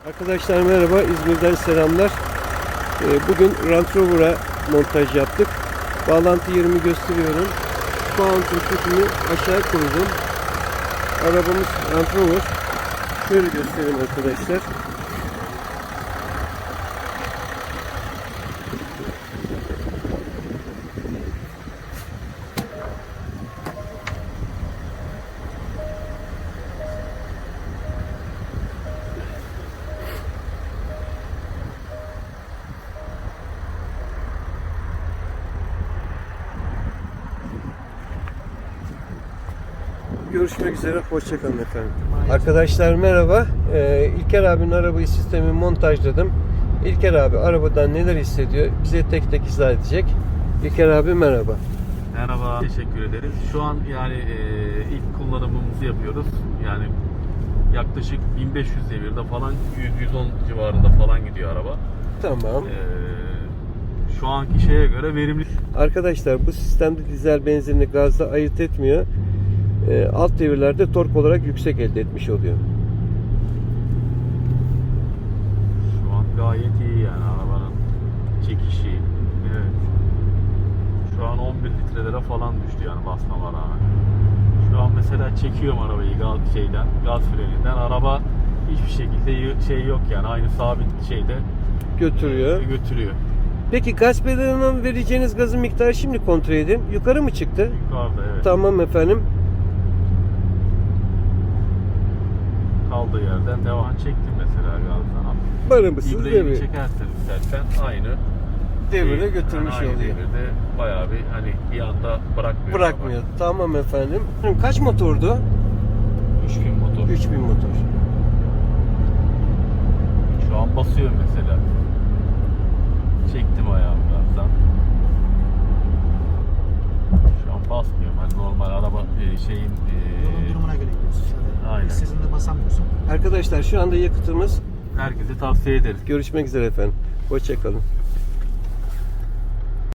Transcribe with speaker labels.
Speaker 1: Arkadaşlar merhaba, İzmir'den selamlar. Bugün Range Rover'a montaj yaptık. Bağlantı yerimi gösteriyorum. Mount'un tüpünü aşağı koydum. Arabamız Range Rover. Şöyle göstereyim arkadaşlar. Görüşmek üzere, hoşçakalın efendim. Arkadaşlar merhaba. İlker abinin arabayı sistemi montajladım. İlker abi arabadan neler hissediyor bize tek tek izah edecek. İlker abi merhaba.
Speaker 2: Merhaba, teşekkür ederiz. Şu an yani ilk kullanımımızı yapıyoruz. Yani yaklaşık 1500 devirde falan 100-110 civarında falan gidiyor araba.
Speaker 1: Tamam.
Speaker 2: Şu anki şeye göre verimli.
Speaker 1: Arkadaşlar bu sistemde dizel benzinli gazla ayırt etmiyor. Alt devirlerde tork olarak yüksek elde etmiş oluyor.
Speaker 2: Şu an gayet iyi yani arabanın çekişi. Evet. Şu an 11 litrelere falan düştü yani basmama rağmen. Şu an mesela çekiyorum arabayı gaz freninden. Araba hiçbir şekilde şey yok yani aynı sabit şeyde
Speaker 1: Götürüyor.
Speaker 2: götürüyor.
Speaker 1: Peki gaz pedalına vereceğiniz gazın miktarı şimdi kontrol edin. Yukarı mı çıktı?
Speaker 2: Yukarıda evet.
Speaker 1: Tamam efendim.
Speaker 2: Kaldığı yerden devam çektim mesela gazdan.
Speaker 1: Barı mısınız?
Speaker 2: İbreyi çekersen istersen aynı
Speaker 1: Devire götürmüş
Speaker 2: aynı
Speaker 1: oluyor.
Speaker 2: devirde bayağı bir hani bir anda bırakmıyor.
Speaker 1: Bırakmıyor. Tamam efendim. Kaç motordu?
Speaker 2: 3000 motor.
Speaker 1: 3000 motor.
Speaker 2: Şu an basıyor mesela. Çektim ayağımı gazdan. Şu an basmıyorum. Hani normal araba
Speaker 3: Yolun durumuna göre gidiyorsun zaten.
Speaker 2: Aynen.
Speaker 3: Sizin de basamıyorsun.
Speaker 1: Arkadaşlar şu anda yakıtımız.
Speaker 2: herkese tavsiye ederiz.
Speaker 1: Görüşmek üzere efendim. Hoşçakalın.